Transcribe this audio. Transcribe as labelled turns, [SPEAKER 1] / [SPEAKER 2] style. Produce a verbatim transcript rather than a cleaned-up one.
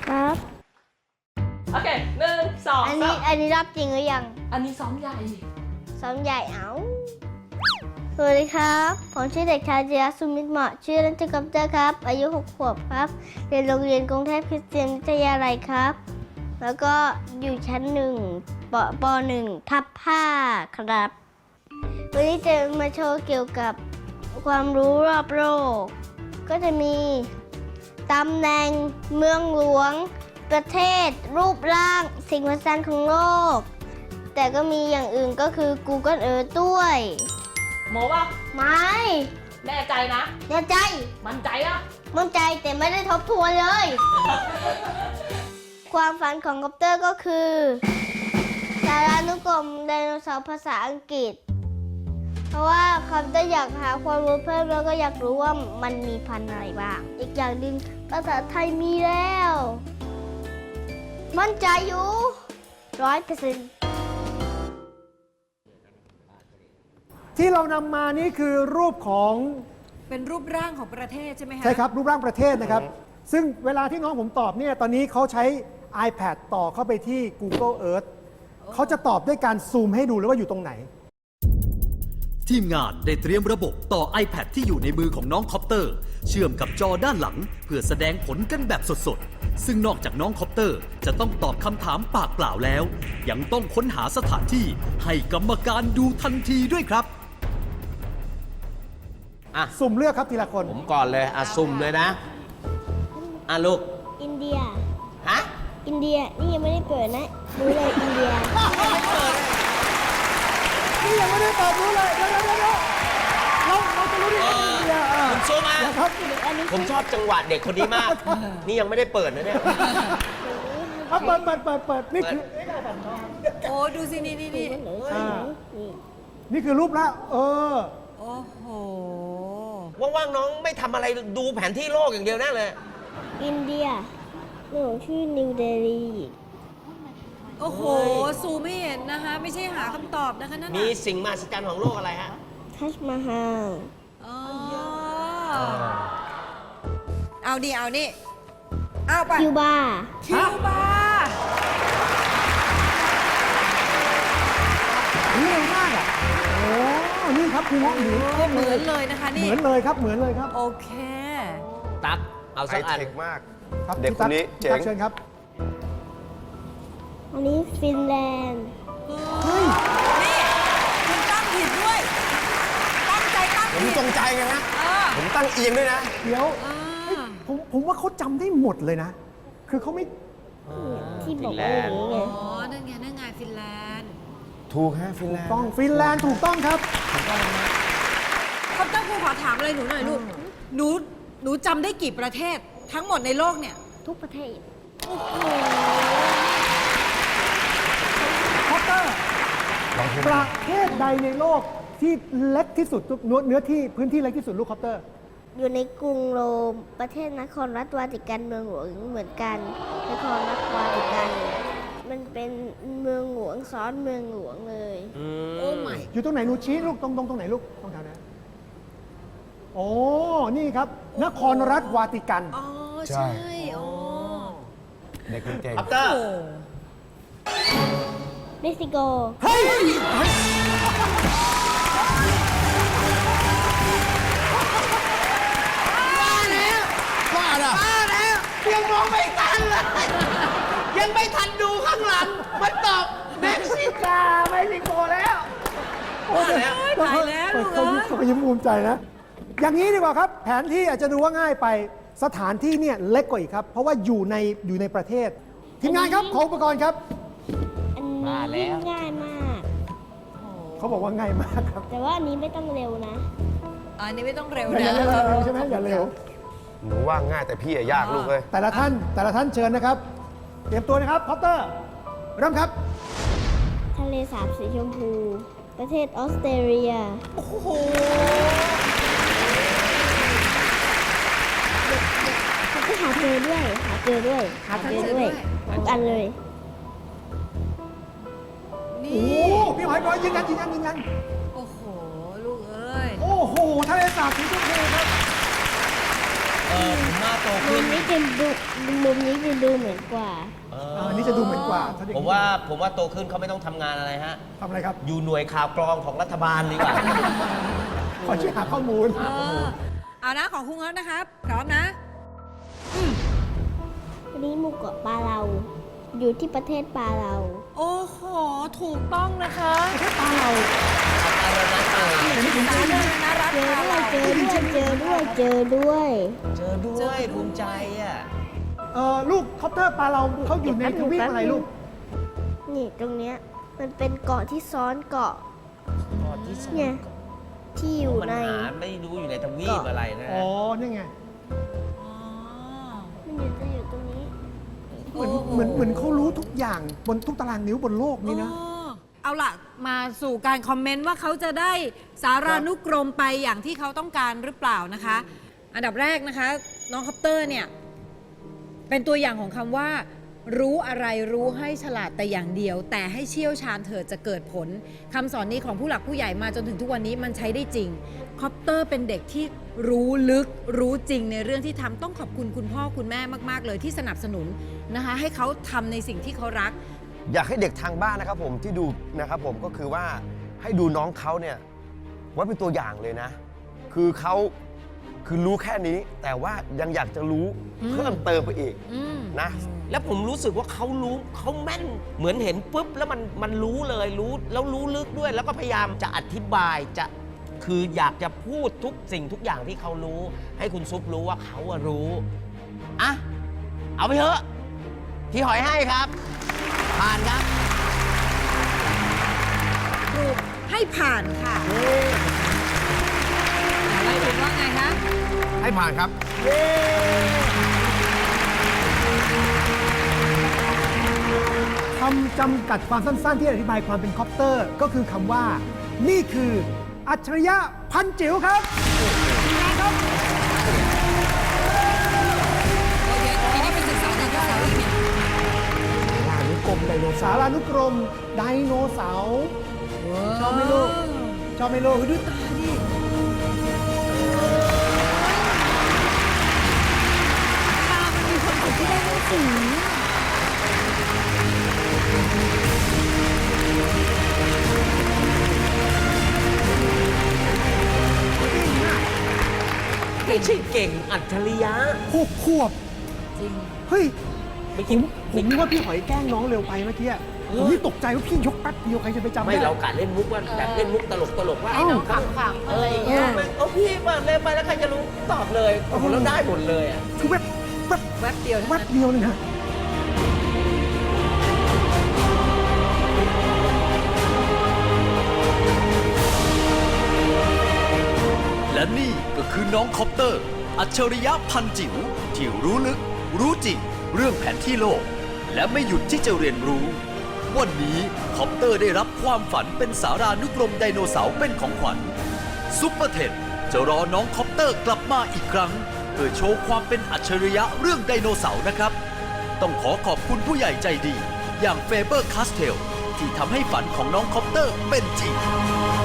[SPEAKER 1] ครับ
[SPEAKER 2] โอเคหนึ่งสอง
[SPEAKER 1] อัน
[SPEAKER 2] สา
[SPEAKER 1] นี้
[SPEAKER 2] ม
[SPEAKER 1] อันนี้รับจริงหรือยัง
[SPEAKER 2] อันนี้ซ้อมใหญ่
[SPEAKER 1] ซ้อมใหญ่เอาสวัสดีครับ ผมชื่อเด็กชายเจียสุมิตรเหมาะชื่อเล่นชื่อกัปเตอร์ครับ อายุหกขวบครับ เรียนโรงเรียนกรุงเทพคริสเตียนวิทยาลัยครับ แล้วก็อยู่ชั้นหนึ่งปปหนึ่งทับห้าครับ วันนี้จะมาโชว์เกี่ยวกับความรู้รอบโลก ก็จะมีตำแหน่งเมืองหลวง ประเทศ รูปร่าง สิ่งมหัศจรรย์ของโลก แต่ก็มีอย่างอื่นก็คือ Google Earth ด้วย
[SPEAKER 2] โมว่า
[SPEAKER 1] ไม่
[SPEAKER 2] แน่ใจนะ
[SPEAKER 1] แน่ใจ
[SPEAKER 2] มั่นใจอะ
[SPEAKER 1] มั่นใจแต่ไม่ได้ทบทวนเลย ความฝันของคอปเตอร์ก็คือสารานุกรมไดโนเสาร์ภาษาอังกฤษ เพราะว่าคอปเตอร์อยากหาความรู้เพิ่มแล้วก็อยากรู้ว่ามันมีพันธุ์อะไรบ้าง อีกอย่างหนึ่งภาษาไทยมีแล้ว มั่นใจอยู่ร้อยเปอร์เซ็นต์
[SPEAKER 3] ที่เรานำมานี่คือรูปของ
[SPEAKER 4] เป็นรูปร่างของประเทศใช่ไหมคะ
[SPEAKER 3] ใช่ครับรูปร่างประเทศนะครับ ซึ่งเวลาที่น้องผมตอบเนี่ยตอนนี้เขาใช้ iPad ต่อเข้าไปที่ Google Earth เขาจะตอบด้วยการซูมให้ดูเลยว่าอยู่ตรงไหน
[SPEAKER 5] ทีมงานได้เตรียมระบบต่อ iPad ที่อยู่ในมือของน้องคอปเตอร์ เชื่อมกับจอด้านหลัง เพื่อแสดงผลกันแบบสดๆ ซึ่งนอกจากน้องคอปเตอร์จะต้องตอบคำถามปากเปล่าแล้ว ยังต้องค้นหาสถานที่ให้กรรมการดูทันทีด้วยครับ
[SPEAKER 6] อ่ะ
[SPEAKER 3] สุ่มเลือกครับทีละคน
[SPEAKER 6] ผมก่อนเลยอ่ะสุ่มเลยนะ อ่ะลูก
[SPEAKER 1] อินเดีย
[SPEAKER 6] ฮะ
[SPEAKER 1] อินเดีย นี่ยังไม่ได้เปิดนะ รู้เลยอินเดีย
[SPEAKER 3] นี่ยังไม่ได้ตอบรู้เลยเดี๋ยวเดี๋ยวเดี๋ยวเราเราจะรู้ได้ยังไงเนี่ยอ่ะ
[SPEAKER 6] คุณซูมา
[SPEAKER 3] นะครับ
[SPEAKER 6] ผมชอบจังหวะเด็กคนนี้มาก นี่ยังไม่ได้เปิดนะเนี่ย
[SPEAKER 3] เอาเปิดเปิดเปิดเปิดนี่คือ
[SPEAKER 4] โอ้ดูสินี่นี่นี่
[SPEAKER 3] อ่านี่คือรูปละเออ
[SPEAKER 4] โอ้โห
[SPEAKER 6] ว่างๆน้องไม่ทำอะไรดูแผนที่โลกอย่างเดียวแน่เลย
[SPEAKER 1] อินเดียหนูชื่อนิวเดลี
[SPEAKER 4] โอ้โห ซูไม่เห็นนะคะ ไม่ใช่หาคำตอบนะคะนั่น
[SPEAKER 6] มี
[SPEAKER 4] น่ะ
[SPEAKER 6] สิ่งมหัศจรรย์ของโลกอะไรฮะ
[SPEAKER 1] ทัชมาฮาล
[SPEAKER 4] อ๋อเอาดิเอานี่ เอาไป
[SPEAKER 1] คิวบา
[SPEAKER 4] คิวบา
[SPEAKER 3] นี่เร็วมากอ่ะโอ้นี่ครับคุณเงาะหมู
[SPEAKER 4] โอ้เหมือนเลยนะคะ
[SPEAKER 3] เห
[SPEAKER 4] นี่
[SPEAKER 3] มือนเลยครับเหมือนเลยครับ
[SPEAKER 4] โอเค
[SPEAKER 6] ตั๊กเอา
[SPEAKER 7] ไฮ
[SPEAKER 6] สักอัน
[SPEAKER 7] เทคมาก
[SPEAKER 3] ครับ
[SPEAKER 7] เด็กคนนี้
[SPEAKER 3] พี่ตั๊ก
[SPEAKER 7] เจ๋ง
[SPEAKER 3] เชิญครับ
[SPEAKER 1] อันนี้ฟินแลนด์
[SPEAKER 3] เฮ้ย
[SPEAKER 4] นี่คุณตั้งผิดด้วย ตั้งใจตั้ง
[SPEAKER 7] ผม
[SPEAKER 4] ผิด
[SPEAKER 7] จงใจไงฮะ
[SPEAKER 4] เออ
[SPEAKER 7] ผมตั้งเอียงด้วยนะ
[SPEAKER 3] เดี๋ยว
[SPEAKER 4] อ่า
[SPEAKER 3] ผมผมว่าเขาจำได้หมดเลยนะ คือเขาไม่
[SPEAKER 1] ที่บอกว่าอย่างนี้ไง
[SPEAKER 4] อ๋อ นั่นไง นั่นไง ฟินแลนด์
[SPEAKER 7] ถูกฮะฟินแลนด์
[SPEAKER 3] ต้องฟินแลนด์ถูกต้องครับ
[SPEAKER 4] เขาตั้งครูขอถามอะไรหนูหน่อยลูก หนู หนูจำได้กี่ประเทศทั้งหมดในโลกเนี่ย
[SPEAKER 1] ทุกประเทศ
[SPEAKER 3] คอปเตอร์ ประเทศใดในโลกที่เล็กที่สุดเนื้อเนื้อที่พื้นที่เล็กที่สุดลูกคอปเตอร์
[SPEAKER 1] อยู่ในกรุงโรม ประเทศนครรัฐวาติกันเมืองหลวงเหมือนกัน นครรัฐวาติกัน มันเป็นเมืองหลวงซ้อนเมืองหลวงเลย
[SPEAKER 4] โอ้ไม่
[SPEAKER 3] อยู่ตรงไหนหนูชี้ลูกตรงตรงตรงไหนลูกตรงแถวนั้นโอ้นี่ครับ นครรัฐวาติกัน
[SPEAKER 4] อ๋อ
[SPEAKER 7] ใช่
[SPEAKER 4] ใช่อ๋อ
[SPEAKER 7] เด็กเก่ง
[SPEAKER 6] อัปเตอร์
[SPEAKER 4] โอ้
[SPEAKER 1] เม็กซิโก
[SPEAKER 3] เฮ้ย
[SPEAKER 7] ว่าน่ะ
[SPEAKER 6] ยังมองไม่ทันเลย ยังไม่ทันดูข้างหลัง มันตอบเม็กซิกาเม็กซิโกแล้ว ว่าแล้ว
[SPEAKER 4] ตายแล้วลูก
[SPEAKER 3] เขา
[SPEAKER 4] เอ้
[SPEAKER 3] ยิ้ม
[SPEAKER 4] ย
[SPEAKER 3] เขายิ้มภูมิใจนะ อย่างนี้ดีกว่าครับ แผนที่อาจจะดูว่าง่ายไป สถานที่เนี่ยเล็กกว่าอีกครับ เพราะว่าอยู่ในอยู่ในประเทศ ทีมงานครับ ขออุปกรณ์ครับ
[SPEAKER 1] อันนี้ยิ่งง่ายมาก
[SPEAKER 3] เขาบอกว่าง่ายมากครับ
[SPEAKER 1] แต่ว่าอันนี้ไม่ต้องเร็วนะ
[SPEAKER 4] อันนี้ไม่ต้องเร็ว
[SPEAKER 3] อย่า
[SPEAKER 4] นะ
[SPEAKER 3] อย่าเร็วใช่ไหมอย่าเร็ว
[SPEAKER 7] หนูว่าง่ายแต่พี่อะยากลูกเลย
[SPEAKER 3] แต่ละท่านแต่ละท่านเชิญนะครับ เตรียมตัวนะครับพอปเตอร์ เริ่มครับ
[SPEAKER 1] ทะเลสาบสีชมพู ประเทศออสเตรเลีย
[SPEAKER 4] โอ้โห
[SPEAKER 1] เขาก็หาเจอด้วย หาเจอด้วย หาเจอด้วยทุกอันเลย
[SPEAKER 4] นี่
[SPEAKER 3] โอ้พี่หอยบอยยืนยันยืนยันยืนยัน
[SPEAKER 4] โอ้โห ลูกเอ้ย
[SPEAKER 3] โอ้โหทะเลสาบสีชมพูครับ
[SPEAKER 6] เออผมมาโต
[SPEAKER 1] มั
[SPEAKER 6] ขึ้น
[SPEAKER 1] นไม่เป็นดุมุมนี้จะดูเหมือนกว่า
[SPEAKER 6] เอ
[SPEAKER 3] อ่าอันนี้จะดูเหมือนกว่าถ้าเด็ก
[SPEAKER 6] ผมว่าผมว่าโตขึ้นเขาไม่ต้องทำงานอะไรฮะ
[SPEAKER 3] ทำอะไรครับ
[SPEAKER 6] อยู่หน่วยข่าวกรองของรัฐบาลดีกว่า
[SPEAKER 3] ขอช่วยหาข้อมูล
[SPEAKER 4] เออเอานะของคุณเอิร์ธนะครับ พร้อมนะ
[SPEAKER 1] อันนี้หมู่เกาะปาเรา อยู่ที่ประเทศปาเรา
[SPEAKER 4] โอ้โห ถูกต้องนะคะ
[SPEAKER 3] ประเทศปาเรา
[SPEAKER 4] สาธารณรัฐ
[SPEAKER 1] เจอ
[SPEAKER 4] ลา
[SPEAKER 1] ด้วย
[SPEAKER 4] ว
[SPEAKER 1] เจอด้วยเจอด้วยเจอด้วย
[SPEAKER 6] เจอด้วยภูมิใจอ่ะ
[SPEAKER 3] เออลูกคอปเตอร์ปลาเราเขาอยู่ในทวีปอะไรลูก
[SPEAKER 1] นี่ตรงเนี้ยมันเป็นเกาะที่ซ้อนเกาะ
[SPEAKER 6] ก่อนที่สอง
[SPEAKER 1] เนี่ย ที่อยู่
[SPEAKER 6] มัน
[SPEAKER 1] ใน
[SPEAKER 6] หาไม่รู้อยู่ในทวีปอะไรนะ
[SPEAKER 3] อ๋อ นี่ไง
[SPEAKER 4] อ๋อ
[SPEAKER 1] มันอยู่จะอยู่ตรงนี้
[SPEAKER 3] เหมือนเหมือนเหมือนเขารู้ทุกอย่างบนทุกตารางนิ้วบนโลกนี้นะ
[SPEAKER 4] อ๋อเอาล่ะ มาสู่การคอมเมนต์ว่าเขาจะได้สารานุกรมไปอย่างที่เขาต้องการหรือเปล่านะคะ อันดับแรกนะคะ น้องคอปเตอร์เนี่ย เป็นตัวอย่างของคำว่า รู้อะไรรู้ให้ฉลาดแต่อย่างเดียว แต่ให้เชี่ยวชาญเถิดจะเกิดผลคำสอนนี้ของผู้หลักผู้ใหญ่มาจนถึงทุกวันนี้มันใช้ได้จริงคอปเตอร์เป็นเด็กที่รู้ลึกรู้จริงในเรื่องที่ทำต้องขอบคุณคุณพ่อคุณแม่มากๆเลยที่สนับสนุนนะคะ ให้เขาทำในสิ่งที่เขารัก
[SPEAKER 7] อยากให้เด็กทางบ้านนะครับผมที่ดูนะครับผมก็คือว่าให้ดูน้องเขาเนี่ยไว้เป็นตัวอย่างเลยนะ คือเขาคือรู้แค่นี้ แต่ว่ายังอยากจะรู้
[SPEAKER 4] อืม
[SPEAKER 7] เพิ่มเติมไปอีก
[SPEAKER 4] อืม
[SPEAKER 7] นะ
[SPEAKER 6] แล้วผมรู้สึกว่าเขารู้เขาแม่นเหมือนเห็นปุ๊บแล้วมันมันรู้เลยรู้แล้วรู้ลึกด้วย แล้วก็พยายามจะอธิบายจะคืออยากจะพูดทุกสิ่งทุกอย่างที่เขารู้ ให้คุณซุปรู้ว่าเขาอะรู้อ่ะเอาไปเถอะพี่หอยให้ครับ ผ่านครับ
[SPEAKER 4] ถูกให้ผ่านค่ะอะไรถึงว่าไงคะ
[SPEAKER 7] ให้ผ่านครับ
[SPEAKER 3] คำจำกัดความสั้นๆ ที่อธิบายความเป็นคอปเตอร์ ก็คือคำว่า นี่คืออัจฉริยะพันจิ๋วครับ
[SPEAKER 4] โอเคทีนี้ไปศึกษาจากภาษาอังกฤษ
[SPEAKER 3] สารานุกรมไดโนเสาร์สารานุกรมไดโนเสาร์ชอบไหมลูกชอบไหมลูกดูตาดิ
[SPEAKER 1] มีคนอื่นที่ได้หนังสือ
[SPEAKER 6] ไม่ใช่เก่งอัจฉริยะ
[SPEAKER 3] หกขวบ
[SPEAKER 4] จริง
[SPEAKER 3] เฮ้ย
[SPEAKER 6] ไม่
[SPEAKER 3] ผ
[SPEAKER 6] คิด
[SPEAKER 3] มผมนึกว่าพี่หอยแกล้งน้องเร็วไปเมื่อกี้ผมนี่ตกใจว่าพี่ยกแป๊บเดียวใครจะไปจำ
[SPEAKER 6] ไม่
[SPEAKER 3] ได้
[SPEAKER 6] เรากะเล่นมุกว่าแบบเล่นมุกตลกตลกๆว่า
[SPEAKER 3] ให้น้อง
[SPEAKER 6] ขำๆอะไรอย่างเงี้ยโอ้พี่มาเล่นไปแล้วใครจะรู้ตอบเลยโอ้โหแล้วได้หมดเลยอ่ะ
[SPEAKER 3] คือแวบแวบ
[SPEAKER 4] แวบเดียวเท่า
[SPEAKER 3] แว
[SPEAKER 4] นั้
[SPEAKER 3] บ
[SPEAKER 4] น
[SPEAKER 3] เดียวเลยนะ
[SPEAKER 5] และนี่ก็คือน้องคอปเตอร์ อัจฉริยะพันจิ๋วที่รู้ลึก รู้จริง เรื่องแผนที่โลก และไม่หยุดที่จะเรียนรู้ วันนี้คอปเตอร์ได้รับความฝันเป็นสารานุกรมไดโนเสาร์เป็นของขวัญซุปเปอร์เทนจะรอน้องคอปเตอร์กลับมาอีกครั้ง เพื่อโชว์ความเป็นอัจฉริยะเรื่องไดโนเสาร์นะครับ ต้องขอขอบคุณผู้ใหญ่ใจดี อย่างเฟเบอร์คาสเทลที่ทำให้ฝันของน้องคอปเตอร์เป็นจริง